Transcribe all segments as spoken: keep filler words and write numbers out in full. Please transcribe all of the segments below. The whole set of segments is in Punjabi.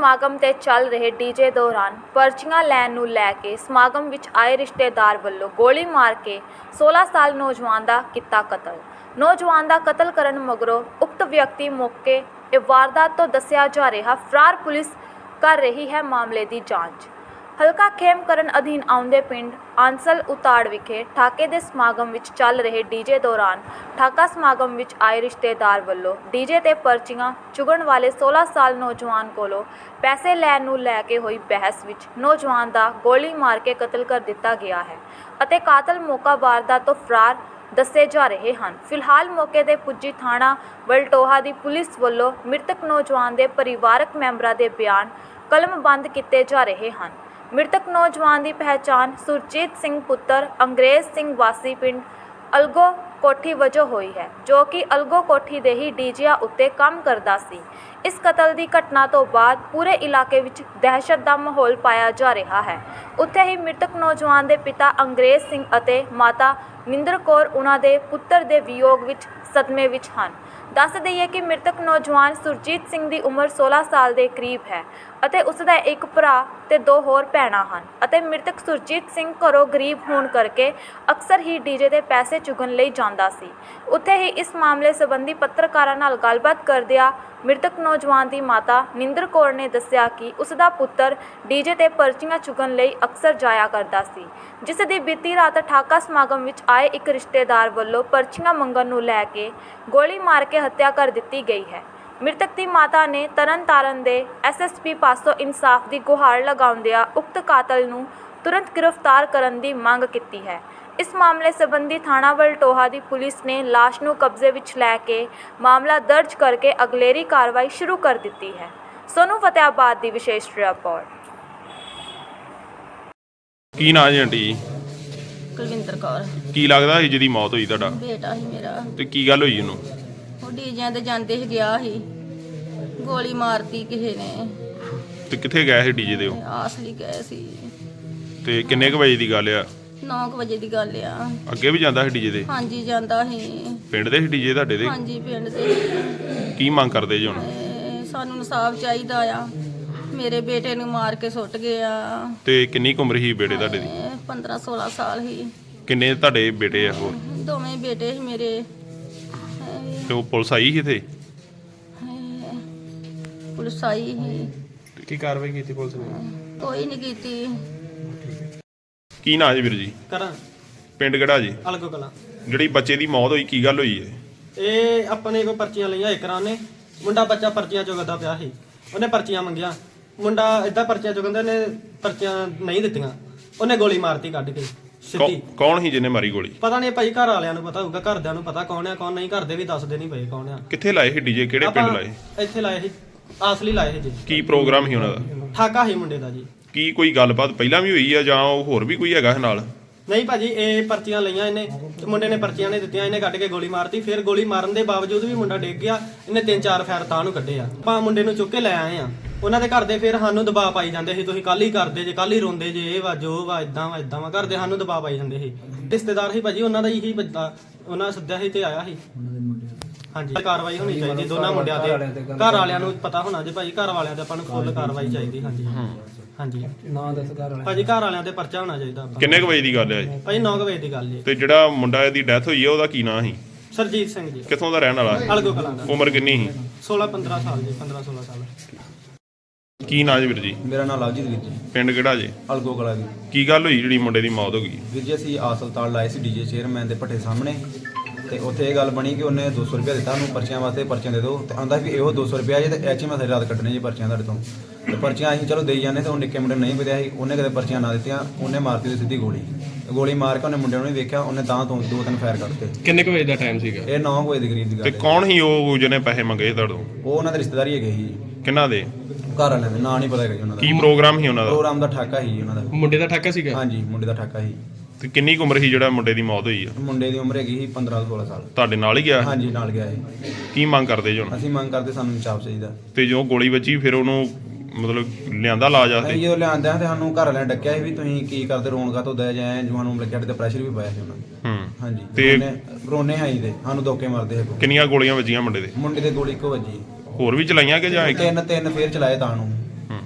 ਸਮਾਗਮ ਤੇ ਚੱਲ ਰਹੇ ਡੀਜੇ ਦੌਰਾਨ ਪਰਚੀਆਂ ਲੈਣ ਨੂੰ ਲੈ ਕੇ ਸਮਾਗਮ ਵਿੱਚ ਆਏ ਰਿਸ਼ਤੇਦਾਰ ਵੱਲੋਂ ਗੋਲੀ ਮਾਰ ਕੇ सोलह ਸਾਲ ਨੌਜਵਾਨ ਦਾ ਕੀਤਾ ਕਤਲ। ਨੌਜਵਾਨ ਦਾ ਕਤਲ ਕਰਨ ਮਗਰੋਂ ਉਕਤ ਵਿਅਕਤੀ ਮੌਕੇ ਇਹ ਵਾਰਦਾਤ ਤੋਂ ਦੱਸਿਆ ਜਾ ਰਿਹਾ ਫਰਾਰ। ਪੁਲਿਸ ਕਰ ਰਹੀ ਹੈ ਮਾਮਲੇ ਦੀ ਜਾਂਚ। ਹਲਕਾ ਖੇਮਕਰਨ ਅਧੀਨ ਆਉਂਦੇ ਪਿੰਡ ਆਂਸਲ ਉਤਾੜ ਵਿਖੇ ਠਾਕੇ ਦੇ ਸਮਾਗਮ ਵਿੱਚ ਚੱਲ ਰਹੇ ਡੀਜੇ ਦੌਰਾਨ ਠਾਕਾ ਸਮਾਗਮ ਵਿੱਚ ਆਏ ਰਿਸ਼ਤੇਦਾਰ ਵੱਲੋਂ ਡੀਜੇ ਤੇ ਪਰਚੀਆਂ ਚੁਗਣ ਵਾਲੇ सोलह ਸਾਲ ਨੌਜਵਾਨ ਕੋਲੋਂ ਪੈਸੇ ਲੈਣ ਨੂੰ ਲੈ ਕੇ ਹੋਈ ਬਹਿਸ ਵਿੱਚ ਨੌਜਵਾਨ ਦਾ ਗੋਲੀ ਮਾਰ ਕੇ ਕਤਲ ਕਰ ਦਿੱਤਾ ਗਿਆ ਹੈ ਅਤੇ ਕਾਤਲ ਮੌਕਾ ਵਾਰਦਾਤ ਤੋਂ ਫਰਾਰ ਦੱਸੇ ਜਾ ਰਹੇ ਹਨ। ਫਿਲਹਾਲ ਮੌਕੇ ਤੇ ਪੁੱਜੀ ਥਾਣਾ ਵਲਟੋਹਾ ਦੀ ਪੁਲਿਸ ਵੱਲੋਂ ਮ੍ਰਿਤਕ ਨੌਜਵਾਨ ਦੇ ਪਰਿਵਾਰਕ ਮੈਂਬਰਾਂ ਦੇ ਬਿਆਨ ਕਲਮਬੰਦ ਕੀਤੇ ਜਾ ਰਹੇ ਹਨ। ਮ੍ਰਿਤਕ ਨੌਜਵਾਨ ਦੀ ਪਹਿਚਾਣ ਸੁਰਜੀਤ ਸਿੰਘ ਪੁੱਤਰ ਅੰਗਰੇਜ਼ ਸਿੰਘ ਵਾਸੀ ਪਿੰਡ ਅਲਗੋ ਕੋਠੀ ਵਜੋਂ ਹੋਈ ਹੈ, ਜੋ ਕਿ ਅਲਗੋ ਕੋਠੀ ਦੇ ਹੀ ਡੀਜਿਆਂ ਉੱਤੇ ਕੰਮ ਕਰਦਾ ਸੀ। ਇਸ ਕਤਲ ਦੀ ਘਟਨਾ ਤੋਂ ਬਾਅਦ ਪੂਰੇ ਇਲਾਕੇ ਵਿੱਚ ਦਹਿਸ਼ਤ ਦਾ ਮਾਹੌਲ ਪਾਇਆ ਜਾ ਰਿਹਾ ਹੈ। ਉੱਥੇ ਹੀ ਮ੍ਰਿਤਕ ਨੌਜਵਾਨ ਦੇ ਪਿਤਾ ਅੰਗਰੇਜ਼ ਸਿੰਘ ਅਤੇ ਮਾਤਾ ਨਿੰਦਰ ਕੌਰ ਉਹਨਾਂ ਦੇ ਪੁੱਤਰ ਦੇ ਵਿਯੋਗ ਵਿੱਚ ਸਦਮੇ ਵਿੱਚ ਹਨ। ਦੱਸ ਦਈਏ ਕਿ ਮ੍ਰਿਤਕ ਨੌਜਵਾਨ ਸੁਰਜੀਤ ਸਿੰਘ ਦੀ ਉਮਰ सोलह ਸਾਲ ਦੇ ਕਰੀਬ ਹੈ ਅਤੇ ਉਸ ਦਾ ਇੱਕ ਭਰਾ ਤੇ ਦੋ ਹੋਰ ਭੈਣਾਂ ਹਨ ਅਤੇ ਮ੍ਰਿਤਕ ਸੁਰਜੀਤ ਸਿੰਘ ਘਰੋਂ ਗਰੀਬ ਹੋਣ ਕਰਕੇ ਅਕਸਰ ਹੀ ਡੀਜੇ ਦੇ ਪੈਸੇ ਚੁਗਣ ਲਈ ਜਾਂਦਾ ਸੀ। ਉੱਥੇ ਹੀ ਇਸ ਮਾਮਲੇ ਸੰਬੰਧੀ ਪੱਤਰਕਾਰਾਂ ਨਾਲ ਗੱਲਬਾਤ ਕਰਦਿਆਂ ਮ੍ਰਿਤਕ ਨੌਜਵਾਨ ਦੀ ਮਾਤਾ ਨਿੰਦਰ ਕੌਰ ਨੇ ਦੱਸਿਆ ਕਿ ਉਸ ਦਾ ਪੁੱਤਰ ਡੀਜੇ ਤੇ ਪਰਚੀਆਂ ਚੁਗਣ ਲਈ ਅਕਸਰ ਜਾਇਆ ਕਰਦਾ ਸੀ, ਜਿਸ ਦੀ ਬੀਤੀ ਰਾਤ ਠਾਕਾ ਸਮਾਗਮ ਵਿੱਚ ਆਏ ਇੱਕ ਰਿਸ਼ਤੇਦਾਰ ਵੱਲੋਂ ਪਰਚੀਆਂ ਮੰਗਣ ਨੂੰ ਲੈ ਕੇ ਗੋਲੀ ਮਾਰ ਕੇ ਹੱਤਿਆ ਕਰ ਦਿੱਤੀ ਗਈ ਹੈ। ਮ੍ਰਿਤਕ ਦੀ ਮਾਤਾ ਨੇ ਤਰਨਤਾਰਨ ਦੇ ਐਸ ਐਸ ਪੀ ਪਾਸੋਂ ਇਨਸਾਫ ਦੀ ਗੁਹਾਰ ਲਗਾਉਂਦਿਆਂ ਉਕਤ ਕਾਤਲ ਨੂੰ ਤੁਰੰਤ ਗ੍ਰਿਫਤਾਰ ਕਰਨ ਦੀ ਮੰਗ ਕੀਤੀ ਹੈ। ਇਸ ਮਾਮਲੇ ਸੰਬੰਧੀ ਥਾਣਾ ਵਲਟੋਹਾ ਦੀ ਪੁਲਿਸ ਨੇ ਲਾਸ਼ ਨੂੰ ਕਬਜ਼ੇ ਵਿੱਚ ਲੈ ਕੇ ਮਾਮਲਾ ਦਰਜ ਕਰਕੇ ਅਗਲੇਰੀ ਕਾਰਵਾਈ ਸ਼ੁਰੂ ਕਰ ਦਿੱਤੀ ਹੈ। ਸੋਨੂੰ ਫਤਿਆਬਾਦ ਦੀ ਵਿਸ਼ੇਸ਼ ਰਿਪੋਰਟ। ਕੀ ਨਾਂ ਜੀ ਆਂਟੀ? ਕੁਲਵਿੰਦਰ ਕੌਰ। ਕੀ ਲੱਗਦਾ ਸੀ ਜਿਹਦੀ ਮੌਤ ਹੋਈ ਤੁਹਾਡਾ? ਬੇਟਾ ਸੀ ਮੇਰਾ। ਤੇ ਕੀ ਗੱਲ ਹੋਈ ਉਹਨੂੰ? ਉਹ ਡੀਜਿਆਂ ਤੇ ਜਾਂਦੇ ਸੀ, ਗਿਆ ਸੀ, ਗੋਲੀ ਮਾਰਤੀ ਕਿਸੇ ਨੇ। ਤੇ ਕਿੱਥੇ ਗਏ ਸੀ ਡੀਜੇ ਤੇ ਉਹ? ਆਸਲੀ ਗਏ ਸੀ। ਤੇ ਕਿੰਨੇ ਕੁ ਵਜੇ ਦੀ ਗੱਲ ਆ? ਨੌ ਕੁ ਵਜੇ ਦੀ ਗੱਲ ਆ। ਅੱਗੇ ਵੀ ਜਾਂਦਾ ਸੀ ਡੀਜੇ ਤੇ? ਹਾਂਜੀ ਜਾਂਦਾ ਸੀ। ਪਿੰਡ ਦੇ ਸੀ ਡੀਜੇ ਤੁਹਾਡੇ ਦੇ? ਹਾਂਜੀ ਪਿੰਡ ਦੇ। ਕੀ ਮੰਗ ਕਰਦੇ ਜੀ ਹੁਣ? ਤੇ ਸਾਨੂੰ ਇਨਸਾਫ ਚਾਹੀਦਾ ਆ। ਮੇਰੇ ਬੇਟੇ ਨੂੰ ਮਾਰ ਕੇ ਸੁੱਟ ਗਏ ਆ। ਤੇ ਕਿੰਨੀ ਕੁ ਉਮਰ ਸੀ ਬੇਟੇ ਤੁਹਾਡੇ ਦੀ? ਪੰਦਰਾਂ ਸੋਲਾਂ ਸਾਲ ਸੀ। ਕਿੰਨੇ ਤੁਹਾਡੇ ਬੇਟੇ ਆ ਹੋਰ? ਦੋਵੇਂ ਬੇਟੇ ਸੀ ਮੇਰੇ। ਤੇ ਉਹ ਪੁਲਿਸ ਆਈ ਸੀ ਇੱਥੇ? ਪੁਲਿਸ ਆਈ ਸੀ। ਕੀ ਕਾਰਵਾਈ ਕੀਤੀ ਪੁਲਿਸ ਨੇ? ਕੋਈ ਨਹੀਂ ਕੀਤੀ। ਕੀ ਨਾਂ ਜੀ ਵੀਰ ਜੀ? ਕਰਾਂ ਪਿੰਡ ਕਿਹੜਾ ਜੀ? ਅਲਗੋ ਕਲਾਂ। ਜਿਹੜੀ ਬੱਚੇ ਦੀ ਮੌਤ ਹੋਈ ਕੀ ਗੱਲ ਹੋਈ ਹੈ? ਇਹ ਆਪਣੇ ਕੋ ਪਰਚੀਆਂ ਲਈਆਂ ਇਕਰਾਂ ਨੇ। ਮੁੰਡਾ ਬੱਚਾ ਪਰਚੀਆਂ ਚੁਗਦਾ ਪਿਆ ਸੀ, ਉਹਨੇ ਪਰਚੀਆਂ ਮੰਗੀਆਂ। ਮੁੰਡਾ ਏਦਾਂ ਪਰਚੀਆਂ ਚੁਗੰਦੇ ਨੇ, ਪਰਚੀਆਂ ਨਹੀਂ ਦਿੱਤੀਆਂ, ਉਹਨੇ ਗੋਲੀ ਮਾਰਤੀ ਕੱਢ ਕੇ ਸਿੱਧੀ। ਕੌ- ਕੌਣ ਸੀ ਜਿਹਨੇ ਮਾਰੀ ਗੋਲੀ? ਪਤਾ ਨਹੀਂ ਭਾਈ, ਘਰ ਵਾਲਿਆਂ ਨੂੰ ਪਤਾ ਹੋਊਗਾ, ਘਰਦਿਆਂ ਨੂੰ ਪਤਾ ਕੌਣ ਆ ਕੌਣ ਨਹੀਂ। ਘਰ ਦੇ ਵੀ ਦੱਸਦੇ ਨਹੀਂ ਪਏ ਕੌਣ ਆ। ਕਿੱਥੇ ਲਾਏ ਸੀ ਡੀਜੇ? ਕਿਹੜੇ ਪਿੰਡ ਆਪਾਂ ਲਾਏ? ਇੱਥੇ ਲਾਏ ਸੀ, ਆਸਲੀ ਲਾਏ ਸੀ ਜੀ। ਕੀ ਪ੍ਰੋਗਰਾਮ ਸੀ ਉਹਨਾਂ ਦਾ? ਠਾਕਾ ਸੀ ਮੁੰਡੇ ਦਾ ਜੀ। ਕੀ ਕੋਈ ਗੱਲਬਾਤ ਪਹਿਲਾਂ ਵੀ ਹੋਈ ਆ ਜਾਂ ਉਹ ਹੋਰ ਵੀ ਕੋਈ ਹੈਗਾ ਨਾਲ? ਨਹੀਂ ਭਾਜੀ, ਇਹ ਪਰਚੀਆਂ ਲਈਆਂ ਇਹਨੇ ਤੇ ਮੁੰਡੇ ਨੇ ਪਰਚੀਆਂ ਨੇ ਦਿੱਤੀਆਂ, ਇਹਨੇ ਕੱਢ ਕੇ ਗੋਲੀ ਮਾਰਤੀ। ਫਿਰ ਗੋਲੀ ਮਾਰਨ ਦੇ ਬਾਵਜੂਦ ਵੀ ਮੁੰਡਾ ਡਿੱਗ ਗਿਆ। ਇਹਨੇ ਤਿੰਨ ਚਾਰ ਫੈਰ ਤਾਂ ਨੂੰ ਕੱਢੇ ਆ। ਆਪਾਂ ਮੁੰਡੇ ਨੂੰ ਚੁੱਕ ਕੇ ਲੈ ਆਏ ਆ। ਉਹਨਾਂ ਦੇ ਘਰ ਦੇ ਫਿਰ ਸਾਨੂੰ ਦਬਾਅ ਪਾਈ ਜਾਂਦੇ ਸੀ, ਤੁਸੀਂ ਕੱਲ ਹੀ ਕਰਦੇ ਜੇ, ਕੱਲ ਹੀ ਰੋਂਦੇ ਜੇ, ਇਹ ਵਾ ਜੋ ਵਾ, ਇਦਾਂ ਵਾ ਇਦਾਂ ਵਾ। ਘਰ ਦੇ ਸਾਨੂੰ ਦਬਾਅ ਪਾਈ ਜਾਂਦੇ ਸੀ। ਰਿਸ਼ਤੇਦਾਰ ਸੀ ਭਾਜੀ ਉਹਨਾਂ ਦਾ ਹੀ ਬੰਦਾ, ਉਹਨਾਂ ਸੱਦਿਆ ਸੀ ਤੇ ਆਇਆ ਸੀ। ਹਾਂਜੀ, ਕਾਰਵਾਈ ਹੋਣੀ ਚਾਹੀਦੀ ਦੋਨਾਂ ਮੁੰਡਿਆਂ ਦੇ। ਘਰ ਵਾਲਿਆਂ ਨੂੰ ਪਤਾ ਹੋਣਾ ਜੇ ਭਾਜੀ, ਘਰ ਵਾਲਿਆਂ ਤੇ ਆਪਾਂ ਨੂੰ ਫੁੱਲ ਕਾਰਵਾਈ ਚਾਹੀਦੀ। ਹਾਂਜੀ ਹਾਂਜੀ, ਨਾਂ ਦੱਸ ਘਰ ਵਾਲਿਆਂ। ਭਾਜੀ ਘਰ ਵਾਲਿਆਂ ਤੇ ਪਰਚਾ ਹੋਣਾ ਚਾਹੀਦਾ। ਕਿੰਨੇ ਕੁ ਵਜੇ ਦੀ ਗੱਲ ਹੈ ਜੀ? ਭਾਜੀ ਨੌ ਵਜੇ ਦੀ ਗੱਲ ਜੀ। ਤੇ ਜਿਹੜਾ ਮੁੰਡਾ ਦੀ ਡੈਥ ਹੋਈ ਹੈ ਉਹਦਾ ਕੀ ਨਾਂ ਸੀ? ਸਰਜੀਤ ਸਿੰਘ ਜੀ। ਕਿੱਥੋਂ ਦਾ ਰਹਿਣ ਵਾਲਾ? ਅਲਗੋ ਕਲਾਂ ਦਾ। ਉਮਰ ਕਿੰਨੀ ਸੀ? सोलह पंद्रह साल जी, पंद्रह सोलह साल। ਕੀ ਨਾਂ ਜੀ ਵੀਰ ਜੀ? ਮੇਰਾ ਨਾਮ ਲਵਜੀਤ ਵੀਰ ਜੀ, ਪਿੰਡ ਕਿਹੜਾ ਜੀ? ਅਲਗੋ ਕਲਾ ਜੀ। ਕੀ ਗੱਲ ਹੋਈ ਜਿਹੜੀ ਮੁੰਡੇ ਦੀ ਮੌਤ ਹੋ ਗਈ? ਵੀਰ ਜੀ ਅਸੀਂ ਆਸਲਤਾਲ ਲਾਏ ਸੀ ਡੀਜੇ ਚੇਅਰਮੈਨ ਦੇ ਭੱਠੇ ਸਾਹਮਣੇ, ਤੇ ਉੱਥੇ ਇਹ ਗੱਲ ਬਣੀ ਕਿ ਉਹਨੇ ਦੋ ਸੌ ਰੁਪਇਆ ਦਿੱਤਾ ਉਹਨੂੰ ਪਰਚੀਆਂ ਵਾਸਤੇ, ਪਰਚੀਆਂ ਦੇ ਦਿਓ। ਤੇ ਆਂਦਾ ਵੀ ਇਹੋ ਦੋ ਸੌ ਰੁਪਇਆ ਜੇ ਤੇ ਐਚ ਮੈਂ ਸਾਰੀ ਰਾਤ ਕੱਢਣੇ ਜੀ ਪਰਚੀਆਂ ਤੁਹਾਡੇ ਤੋਂ। ਤੇ ਪਰਚੀਆਂ ਅਸੀਂ ਚਲੋ ਦੇਈ ਜਾਂਦੇ, ਤੇ ਉਹ ਨਿੱਕੇ ਮੁੰਡੇ ਨੂੰ ਨਹੀਂ ਪਤਾ ਸੀ, ਉਹਨੇ ਕਦੇ ਪਰਚੀਆਂ ਨਾ ਦਿੱਤੀਆਂ, ਉਹਨੇ ਮਾਰਤੀ ਉਹਦੀ ਸਿੱਧੀ ਗੋਲੀ। ਗੋਲੀ ਮਾਰ ਕੇ ਉਹਨੇ ਮੁੰਡੇ ਨੂੰ ਨਹੀਂ ਵੇਖਿਆ, ਉਹਨੇ ਤਾਂ ਤੋਂ ਦੋ ਤਿੰਨ ਫਾਇਰ ਕੱਢਤੇ। ਕਿੰਨੇ ਕੁ ਵਜੇ ਦਾ ਟਾਈਮ ਸੀਗਾ? ਇਹ ਨੌ ਵਜੇ ਦੇ ਕਰੀਬ ਦੀ ਗੱਲ ਤੇ ਹੈ। ਕੌਣ ਸੀ ਉਹ ਜਿਹਨੇ ਪੈਸੇ ਮੰਗੇ ਤੁਹਾਡੇ ਤੋਂ? ਉਹ ਉਹਨਾਂ ਦੇ ਰਿਸ਼ਤੇਦਾਰੀ ਹੈਗੇ ਸੀ। ਕਿਹਨਾਂ ਦੇ? ਘਰ ਵਾਲਿਆਂ ਦੇ ਨਾਂ ਨਹੀਂ ਪਤਾ ਹੈਗਾ ਜੀ ਉਹਨਾਂ ਦਾ। ਕੀ ਪ੍ਰੋਗਰਾਮ ਸੀ ਉਹਨਾਂ ਦਾ? ਪ੍ਰੋਗਰਾਮ ਦਾ ਠਾਕਾ ਸੀ ਉਹਨਾਂ ਦਾ। ਮੁੰਡੇ ਦਾ ਠਾਕਾ ਸੀਗਾ? ਹਾਂਜੀ ਮੁੰਡੇ ਦਾ ਠਾਕਾ ਸੀ। ਤੇ ਕਿੰਨੀ ਕੁ ਉਮਰ ਸੀ ਜਿਹੜਾ ਮੁੰਡੇ ਦੀ ਮੌਤ ਹੋਈ ਆ? ਮੁੰਡੇ ਦੀ ਉਮਰ ਹੈਗੀ ਸੀ ਪੰਦਰਾਂ ਸੋਲਾਂ ਸਾਲ। ਤੁਹਾਡੇ ਨਾਲ ਹੀ ਗਿਆ? ਹਾਂਜੀ ਨਾਲ ਗਿਆ ਸੀ। ਕੀ ਮੰਗ ਕਰਦੇ ਜੀ ਹੁਣ? ਅਸੀਂ ਮੰਗ ਕਰਦੇ ਸਾਨੂੰ ਇਨਸਾਫ ਚਾਹੀਦਾ। ਤੇ ਜੋ ਗੋਲੀ ਵੱਜੀ ਫਿਰ ਉਹਨੂੰ ਮਤਲਬ ਲਿਆਂਦਾ ਲਾਜ ਆਸਤੇ? ਜਦੋਂ ਲਿਆਂਦਿਆਂ ਤੇ ਸਾਨੂੰ ਘਰ ਵਾਲਿਆਂ ਡੱਕਿਆ ਸੀ ਵੀ ਤੁਸੀਂ ਕੀ ਕਰਦੇ, ਰੋਣ ਕਾ ਤੋਂ ਦਇਆ ਜਾਏ ਜਵਾਨ ਨੂੰ ਲੱਗਿਆ ਤੇ ਪ੍ਰੈਸ਼ਰ ਵੀ ਪਾਇਆ ਸੀ ਉਹਨਾਂ ਨੇ। ਹੂੰ ਹਾਂਜੀ ਤੇ ਰੋਨੇ ਆਈ ਦੇ ਸਾਨੂੰ ਧੋਕੇ ਮਾਰਦੇ ਹੈ। ਕਿੰਨੀਆਂ ਗੋਲੀਆਂ ਵੱਜੀਆਂ ਮੁੰਡੇ ਦੇ? ਮੁੰਡੇ ਦੇ ਗੋਲੀ ਇੱਕੋ ਵੱਜੀ। ਹੋਰ ਵੀ ਚਲਾਈਆਂ ਕਿ ਜਾਂ ਇੱਕ? ਤਿੰਨ ਤਿੰਨ ਫੇਰ ਚਲਾਏ ਤਾਂ ਨੂੰ। ਹੂੰ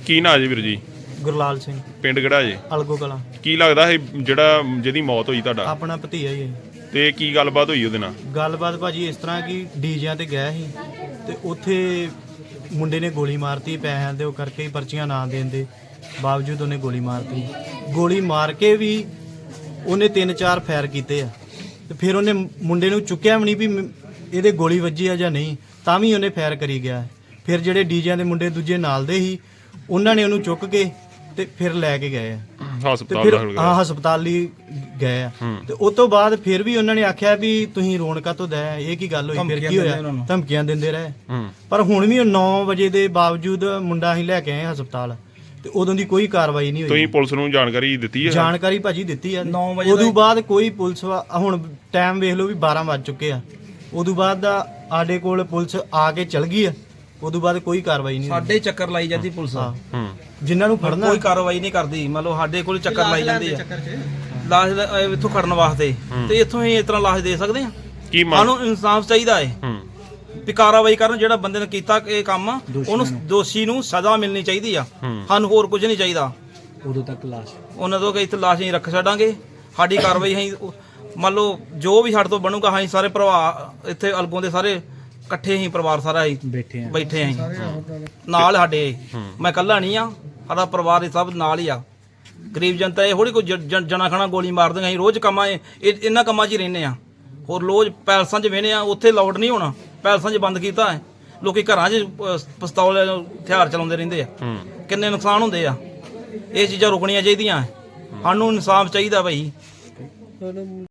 ਕੀ ਨਾਂ ਜੀ ਵੀਰ ਜੀ? ਗੁਰਲਾਲ ਸਿੰਘ, ਪਿੰਡ ਕਿਹੜਾ ਜੀ? ਅਲਗੋ ਕਲਾਂ। ਕੀ ਲੱਗਦਾ ਇਹ ਜਿਹੜਾ ਜਿਹਦੀ ਮੌਤ ਹੋਈ ਤੁਹਾਡਾ, ਆਪਣਾ ਭਤੀਆ ਹੀ ਹੈ। ਤੇ ਕੀ ਗੱਲਬਾਤ ਹੋਈ ਉਹਦੇ ਨਾਲ? ਗੱਲਬਾਤ ਭਾਜੀ ਇਸ ਤਰ੍ਹਾਂ ਕਿ ਡੀਜਿਆਂ ਤੇ ਗਿਆ ਸੀ ਤੇ ਉੱਥੇ ਮੁੰਡੇ ਨੇ ਗੋਲੀ ਮਾਰਤੀ ਪੈਸਿਆਂ ਦੇ ਉਹ ਕਰਕੇ ਹੀ, ਪਰਚੀਆਂ ਨਾ ਦੇਣ ਦੇ ਬਾਵਜੂਦ ਉਹਨੇ ਗੋਲੀ ਮਾਰਤੀ। ਗੋਲੀ ਮਾਰ ਕੇ ਵੀ ਉਹਨੇ ਤਿੰਨ ਚਾਰ ਫਾਇਰ ਕੀਤੇ ਆ ਤੇ ਫਿਰ ਉਹਨੇ ਮੁੰਡੇ ਨੂੰ ਚੁੱਕਿਆ ਵੀ ਨਹੀਂ ਵੀ ਮ- ਇਹਦੇ ਗੋਲੀ ਵੱਜੀ ਆ ਜਾਂ ਨਹੀਂ, ਤਾਂ ਵੀ ਉਹਨੇ ਫਾਇਰ ਕਰੀ ਗਿਆ। ਫਿਰ ਜਿਹੜੇ ਡੀਜਿਆਂ ਦੇ ਮੁੰਡੇ ਦੂਜੇ ਨਾਲ ਦੇ ਸੀ ਉਹਨਾਂ ਨੇ ਉਹਨੂੰ ਚੁੱਕ ਕੇ ਤੇ ਫਿਰ ਲੈ ਕੇ ਗਏ ਆ ਤੇ ਹਸਪਤਾਲ ਫਿਰ ਦਾਖਲ ਹਾਂ ਕਰਾਇਆ। ਹਸਪਤਾਲ ਲਈ ਗਏ ਆ ਹੂੰ। ਤੇ ਉਸ ਤੋਂ ਬਾਅਦ ਫਿਰ ਵੀ ਉਹਨਾਂ ਨੇ ਆਖਿਆ ਵੀ ਤੁਸੀਂ ਰੋਣਕਾ ਤੋਂ ਦਇਆ, ਇਹ ਕੀ ਗੱਲ ਹੋਈ, ਫਿਰ ਕੀ ਹੋਇਆ, ਧਮਕੀਆਂ ਦਿੰਦੇ ਰਹੇ। ਹੂੰ। ਪਰ ਹੁਣ ਵੀ ਨੌ ਵਜੇ ਦੇ ਬਾਵਜੂਦ ਮੁੰਡਾ ਅਸੀਂ ਲੈ ਕੇ ਆਏ ਹਸਪਤਾਲ ਤੇ ਉਦੋਂ ਦੀ ਕੋਈ ਕਾਰਵਾਈ ਨਹੀਂ ਤੁਸੀਂ ਹੋਈ। ਪੁਲਿਸ ਨੂੰ ਜਾਣਕਾਰੀ ਦਿੱਤੀ ਹੈ? ਜਾਣਕਾਰੀ ਭਾਜੀ ਦਿੱਤੀ ਆ ਉਦੋਂ ਬਾਅਦ ਕੋਈ ਪੁਲਿਸ ਵਾ- ਹੁਣ ਟਾਈਮ ਵੇਖ ਲਓ ਵੀ ਬਾਰਾਂ ਵੱਜ ਚੁੱਕੇ ਆ, ਉਦੋਂ ਬਾਅਦ ਦਾ ਸਾਡੇ ਕੋਲ ਪੁਲਿਸ ਆ ਕੇ ਚਲ ਗਈ ਆ, ਉਦੋਂ ਬਾਅਦ ਕੋਈ ਕਾਰਵਾਈ ਨਹੀਂ ਹੋਈ। ਸਾਡੇ ਚੱਕਰ ਲਾਈ ਜਾਂਦੀ ਪੁਲਿਸ ਹਾਂ। ਹੂੰ। ਜਿਨ੍ਹਾਂ ਨੂੰ ਫੜਨਾ ਕੋਈ ਕਾਰਵਾਈ ਨਹੀਂ ਕਰਦੀ। ਮੰਨ ਲਓ ਸਾਡੇ ਕੋਲ ਚੱਕਰ ਲਾਈ ਜਾਂਦੀ ਆ ਲਾਸ਼ ਦਾ, ਅਹ, ਇੱਥੋਂ ਖੜਨ ਵਾਸਤੇ, ਤੇ ਇੱਥੋਂ ਹੀ ਇਸ ਤਰ੍ਹਾਂ ਲਾਸ਼ ਦੇ ਸਕਦੇ ਆ। ਕੀ ਮੰਗ? ਸਾਨੂੰ ਇਨਸਾਫ ਚਾਹੀਦਾ ਹੈ ਹੂੰ। ਵੀ ਕਾਰਵਾਈ ਕਰਨ, ਜਿਹੜਾ ਬੰਦੇ ਨੇ ਕੀਤਾ ਇਹ ਕੰਮ ਉਹਨੂੰ ਦੋਸ਼ੀ ਨੂੰ ਸਜ਼ਾ ਮਿਲਣੀ ਚਾਹੀਦੀ ਆ। ਹੂੰ। ਸਾਨੂੰ ਹੋਰ ਕੁਝ ਨਹੀਂ ਚਾਹੀਦਾ। ਉਦੋਂ ਤੱਕ ਲਾਸ਼ ਉਹਨਾਂ ਤੋਂ ਕਿ ਇੱਥੇ ਲਾਸ਼ ਨਹੀਂ ਰੱਖ ਛੱਡਾਂਗੇ। ਸਾਡੀ ਕਾਰਵਾਈ ਅਸੀਂ ਉਹ- ਮੰਨ ਲਓ ਜੋ ਵੀ ਸਾਡੇ ਤੋਂ ਬਣੂਗਾ, ਅਸੀਂ ਸਾਰੇ ਪਰਿਵਾਰ ਇੱਥੇ ਅਲਗੋਂ ਦੇ ਸਾਰੇ ਇਕੱਠੇ ਹੀ ਪਰਿਵਾਰ ਸਾਰਾ ਹੀ ਬੈਠੇ ਆ। ਬੈਠੇ ਆਂ ਨਾਲ ਸਾਡੇ। ਮੈਂ ਇਕੱਲਾ ਨਹੀਂ ਆ, ਸਾਡਾ ਪਰਿਵਾਰ ਇਹ ਸਭ ਨਾਲ ਹੀ ਆ। ਗਰੀਬ ਜਨਤਾ ਇਹ ਥੋੜੀ ਕੋਈ ਜ- ਜ- ਜਣਾ ਖਣਾ ਗੋਲੀ ਮਾਰ ਦਿੰਦੇ। ਅਸੀਂ ਰੋਜ਼ ਕੰਮਾਂ ਇਹ ਇਹ- ਇਹਨਾਂ ਕੰਮਾਂ 'ਚ ਹੀ ਰਹਿੰਦੇ ਆ। ਹੋਰ ਰੋਜ਼ ਪੈਲਸਾਂ 'ਚ ਵੇਹਨੇ ਆ, ਉੱਥੇ ਲਾਊਡ ਨਹੀਂ ਹੋਣਾ। ਪੈਲਸਾਂ 'ਚ ਬੰਦ ਕੀਤਾ ਹੈ। ਲੋਕੀ ਘਰਾਂ 'ਚ ਅਹ, ਪਿਸਤੌਲ ਹਥਿਆਰ ਚਲਾਉਂਦੇ ਰਹਿੰਦੇ ਆ। ਹੂੰ। ਕਿੰਨੇ ਨੁਕਸਾਨ ਹੁੰਦੇ ਆ। ਇਹ ਚੀਜ਼ਾਂ ਰੁਕਣੀਆਂ ਚਾਹੀਦੀਆਂ। ਸਾਨੂੰ ਇਨਸਾਫ ਚਾਹੀਦਾ ਭਾਈ।